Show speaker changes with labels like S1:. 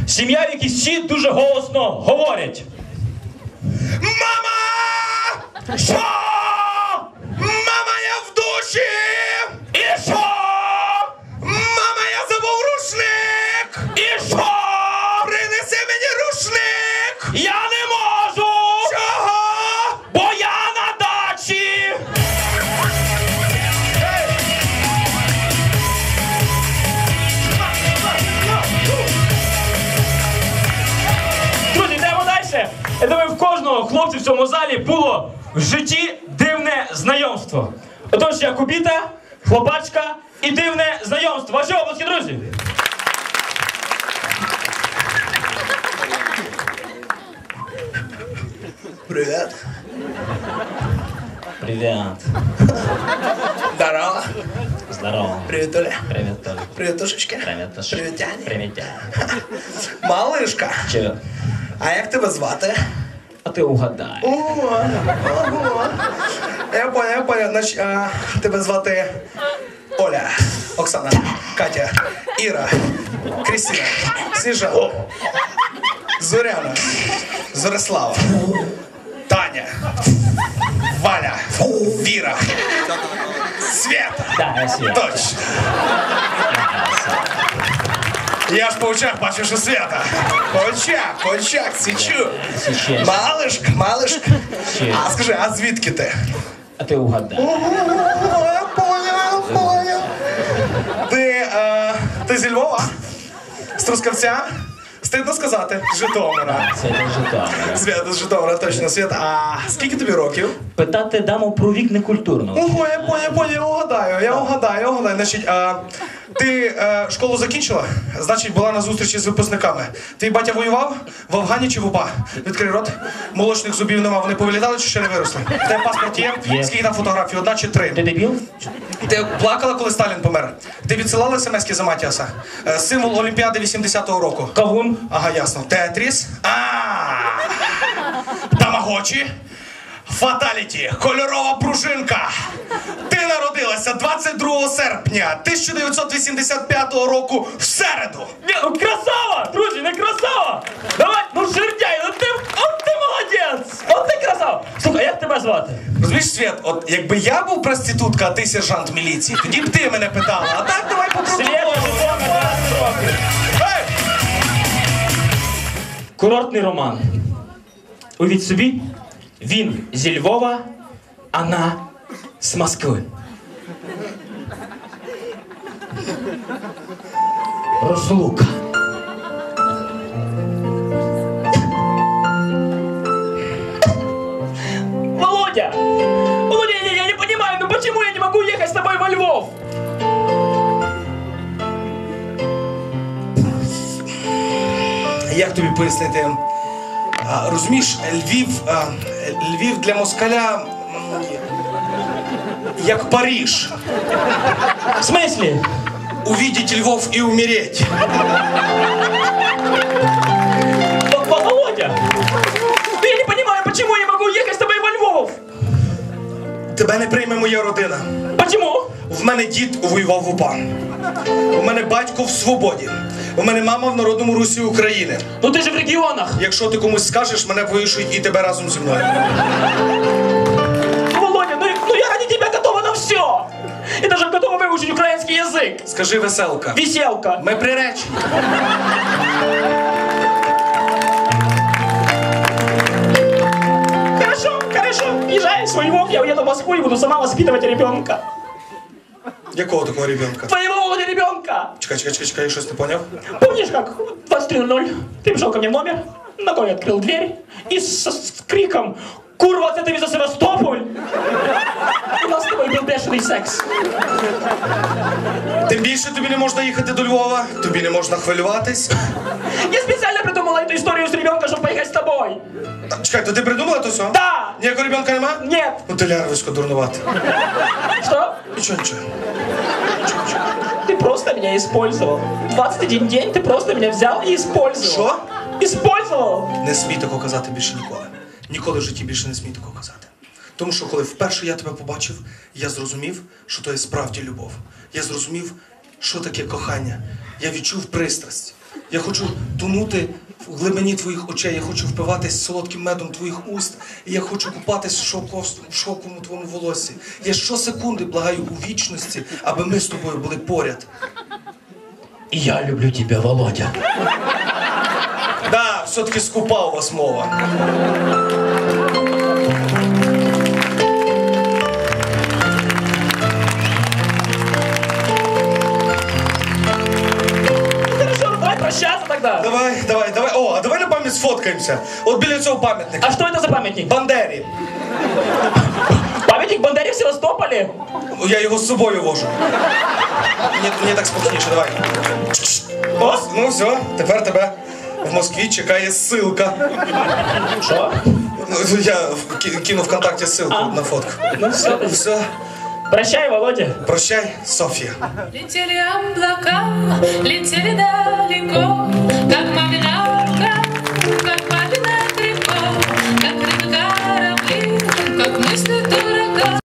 S1: Сім'я, в якій всі дуже голосно говорять.
S2: Мама! Що? Мама, я в душі!
S1: І що?
S2: Мама, я забув рушник!
S1: І що?
S2: Принеси мені рушник!
S1: Я не можу!
S2: Чого?
S1: Бо я на дачі! Друзі, йдемо далі. Я думаю, в кожного хлопця в цьому залі було в житті дивне знайомство. Отож, я Кубіта, хлопачка і дивне знайомство. Ваші обласки, друзі!
S2: Привіт.
S1: Привіт.
S2: Здорово.
S1: Здорово.
S2: Привіт, Оля.
S1: Привіт, Толі.
S2: Привіт, Тушечка.
S1: Привіт, Тоша.
S2: Привіт, Тяні.
S1: Привіт, Тяні.
S2: Малишка.
S1: Чого?
S2: А як тебе звати?
S1: А ти угадай.
S2: Ого. Я понял. Значить, тебе звати Оля, Оксана, Катя, Іра, Крістіна, Сніжана, Зоряна, Зорислава, Таня, Валя, Віра, Свята.
S1: Да, я Света.
S2: Точно. Я ж по очах бачу, що Свята. По очах, січу.
S1: Січеш.
S2: Малишка.
S1: Ще.
S2: А скажи, а звідки ти?
S1: А ти угадай.
S2: Я понял. Ти зі Львова? З Трускавця? Стидно сказати, з Житомира.
S1: Це не Житомир.
S2: Свята з Житомира, точно, Свята. А скільки тобі років?
S1: Питати даму про вік некультурно.
S2: Ого, я понял, я угадаю. Значить, ти школу закінчила? Значить, була на зустрічі з випускниками. Твій батя воював? В Афгані чи в УПА? Відкрий рот. Молочних зубів нема, вони повилітали чи ще не виросли? В тебе паспорт є?
S1: Є.
S2: Скільки там фотографій? 1 чи 3?
S1: Ти дебіл?
S2: Ти плакала, коли Сталін помер? Ти відсилала смс-ки за Матіаса? Символ Олімпіади 80-го року.
S1: Кавун?
S2: Ага, ясно. Тетріс? Тамагочі? Фаталіті. Кольорова пружинка. Ти народилася 22 серпня 1985 року в середу.
S1: Ні, ну красава! Друзі, не красава! Давай, ну жердяй, ну ти, от ти молодець! От ти красава! Слухай, а як тебе звати?
S2: Розумієш, Свят, от якби я був проститутка, а ти сержант міліції, тоді б ти мене питала. А так давай по
S1: Света,
S2: протоколу.
S1: Житомир, 20 років.
S2: Ей!
S1: Курортний роман. Уявіть собі, він зі Львова, а вона з Москви. Розлука. Володя! Володя, я не понимаю, ну почему я не могу ехать с тобой во Львов?
S2: Як тобі пояснити? Розумієш, Львів для москаля як Париж.
S1: В смысле?
S2: Увидеть Львов и умереть.
S1: Володя! Ну я не понимаю, почему я не могу ехать с тобой во Львов?
S2: Тебе не прийме моя родина.
S1: Почему?
S2: В мене дід воював в УПА. У мене батько в свободі. У мене мама в Народному Русі України.
S1: Ну ты же в регионах.
S2: Якщо ти комусь скажеш, мене повішують і тебе разом зі мною.
S1: Володя, ну я ради тебя готова на все. Я даже готова выучить украинский язык.
S2: Скажи веселка.
S1: Веселка.
S2: Ми приречені.
S1: Хорошо. Езжай в свой Львов, я уеду в Москву и буду сама воспитывать ребенка.
S2: Якого такого ребенка?
S1: Твоего, Володя, ребенка.
S2: Чекай, я щось не поняв.
S1: Помнишь, как в 23:00 ты пришел ко мне в номер, ногой открыл дверь и с криком «Курва, это ты за Севастополь!» У нас с тобой был бешеный секс.
S2: Тим більше тобі не можна їхати до Львова, тобі не можна хвилюватись.
S1: Я специально придумала эту историю с ребенком, чтобы поехать с тобой.
S2: Чекай, то ти придумала то все?
S1: Да!
S2: Ніякого ребенка нема?
S1: Нет!
S2: Ну ти лярвисько дурнувати.
S1: Что?
S2: Нічого.
S1: Ты просто меня использовал. 21 день ты просто меня взял и использовал.
S2: Що?
S1: Использовал!
S2: Не смій такого казати більше ніколи. Ніколи в житті більше не смій такого казати. Тому що коли вперше я тебе побачив, я зрозумів, що то є справді любов. Я зрозумів, що таке кохання. Я відчув пристрасть. Я хочу тонути в глибині твоїх очей, я хочу впиватись солодким медом твоїх уст, і я хочу купатись в шовковому твоєму волоссі. Я щосекунди благаю у вічності, аби ми з тобою були поряд.
S1: І я люблю тебе, Володя.
S2: Да, все-таки скупа у вас мова.
S1: Хорошо, давай прощаться тогда.
S2: Давай. О, а давай на пам'ять сфоткаємося. От біля цього пам'ятника.
S1: А что это за памятник?
S2: Бандері.
S1: Памятник Бандере в Севастополе?
S2: Я його з собою вожу. Мені так спокійніше, давай.
S1: О?
S2: Ну все, тепер тебе в Москві чекає ссылка.
S1: Что?
S2: Ну, я кину ВКонтакте ссылку на фотку.
S1: Ну все.
S2: Все,
S1: Прощай, Володя.
S2: прощай, Софія.
S3: Летели облака, летели далеко, как мамина рука, как папина тряпка, как рыбы корабли, как мысли